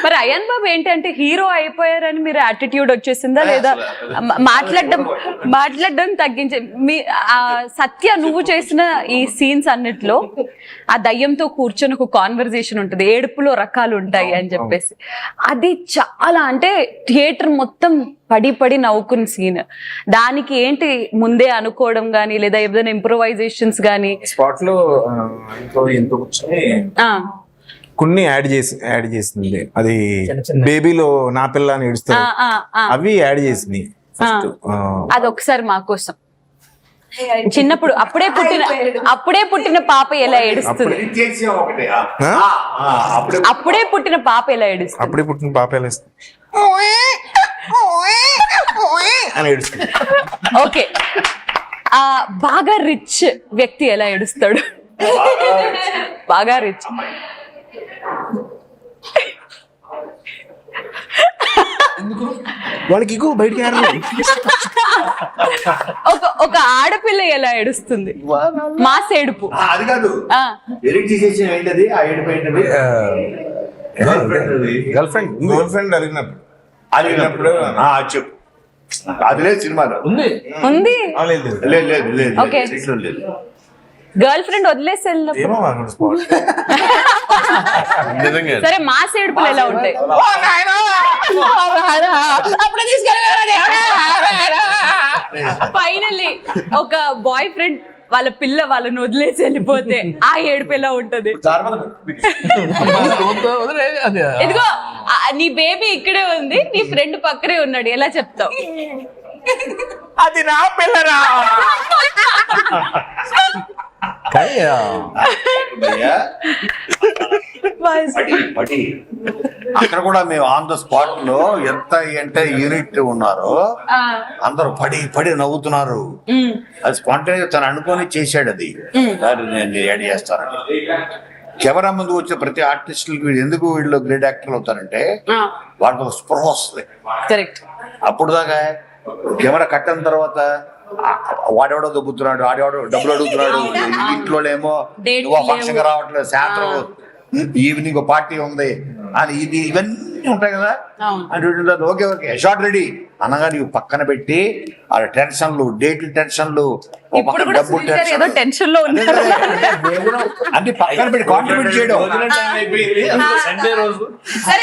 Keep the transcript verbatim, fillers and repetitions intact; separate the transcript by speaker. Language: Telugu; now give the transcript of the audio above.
Speaker 1: మరి అయాన్ బాబు ఏంటంటే హీరో అయిపోయారని మీరు యాటిట్యూడ్ వచ్చేసిందా లేదా మాట్లాడడం మాట్లాడడం తగ్గించే మీ ఆ సత్య నువ్వు చేసిన ఈ సీన్స్ అన్నిట్లో ఆ దయ్యంతో కూర్చొని ఒక కాన్వర్జేషన్ ఉంటుంది, ఏడుపులో రకాలు ఉంటాయి అని చెప్పేసి, అది చాలా అంటే థియేటర్ మొత్తం పడి పడి నవ్వుకున్న సీన్. దానికి ఏంటి ముందే అనుకోవడం గానీ లేదా ఏదైనా ఇంప్రూవైజేషన్స్ గానీ
Speaker 2: స్పాట్ లో ఎంతో కొన్ని యాడ్ చేసి యాడ్ చేసింది, అది బేబీలో నా పిల్ల అని ఏడుస్తుంది, అవి యాడ్ చేసింది.
Speaker 1: అది ఒకసారి మా కోసం చిన్నప్పుడు అప్పుడే పుట్టిన అప్పుడే పుట్టిన పాప ఎలా ఏడుస్తుంది, అప్పుడే పుట్టిన పాప ఎలా ఏడుస్తుంది,
Speaker 2: అప్పుడే పుట్టిన పాప ఎలా ఏడుస్తుంది అని ఏడుస్తుంది.
Speaker 1: ఓకే, ఆ బాగా రిచ్ వ్యక్తి ఎలా ఏడుస్తాడు? బాగా రిచ్
Speaker 2: వాళ్ళకి బయటికి
Speaker 1: ఒక ఒక ఆడపిల్ల ఎలా ఏడుస్తుంది? మాస్ ఏడుపు.
Speaker 3: అది కాదు, ఎడిట్ చేసేసి ఏంటది ఆ ఏడుపు ఏంటది?
Speaker 2: గర్ల్ ఫ్రెండ్ గర్ల్ ఫ్రెండ్ అడిగినప్పుడు
Speaker 3: అడిగినప్పుడు చెప్పు. అది లేదు సినిమాలో
Speaker 1: ఉంది.
Speaker 3: లేదు లేదు లేదు
Speaker 1: ఓకే,
Speaker 3: లేదు.
Speaker 1: గర్ల్ ఫ్రెండ్ వదిలేసి వెళ్ళినప్పుడు సరే మాస్ ఏడుపులు ఎలా ఉంటాయి? ఫైనల్లీ ఒక బాయ్ ఫ్రెండ్ వాళ్ళ పిల్ల వాళ్ళని వదిలేసి వెళ్ళిపోతే ఆ ఏడుపు ఎలా ఉంటది? ఇదిగో నీ బేబీ ఇక్కడే ఉంది, నీ ఫ్రెండ్ పక్కనే ఉన్నాడు, ఎలా చెప్తావు?
Speaker 2: అది నా పిల్లరా.
Speaker 3: అక్కడ కూడా మేము ఆన్ ద స్పాట్ లో ఎంత అంటే యూనిట్ ఉన్నారో అందరూ పడి పడి నవ్వుతున్నారు. అది స్పాంటేనియస్ తను అనుకొని చేశాడు, అది నేను యాడ్ చేస్తానని. కెమెరా ముందు వచ్చే ప్రతి ఆర్టిస్టులకి ఎందుకు వీళ్ళు గ్రేట్ యాక్టర్లు అవుతారంటే వాళ్ళకి స్పృహ వస్తుంది. అప్పుడు దాకా కెమెరా కట్టిన తర్వాత వాడెవడో దొబ్బుతున్నాడు, ఆడెవడో డబ్బులు అడుగుతున్నాడు, ఇంట్లో ఏమో నువ్వు ఫంక్షన్ రావట్లేదు, సాయంత్రం ఈవినింగ్ పార్టీ ఉంది అని ఇది ఇవన్నీ ఉంటాయి కదా. అంటే ఓకే ఓకే షార్ట్ రెడీ అనగా నీవు పక్కన పెట్టి ఆ టెన్షన్లు, డేట్ టెన్షన్లు, డబ్బు టెన్షన్ అన్ని పక్కన పెట్టి కాంట్రిబ్యూట్ చేయడం.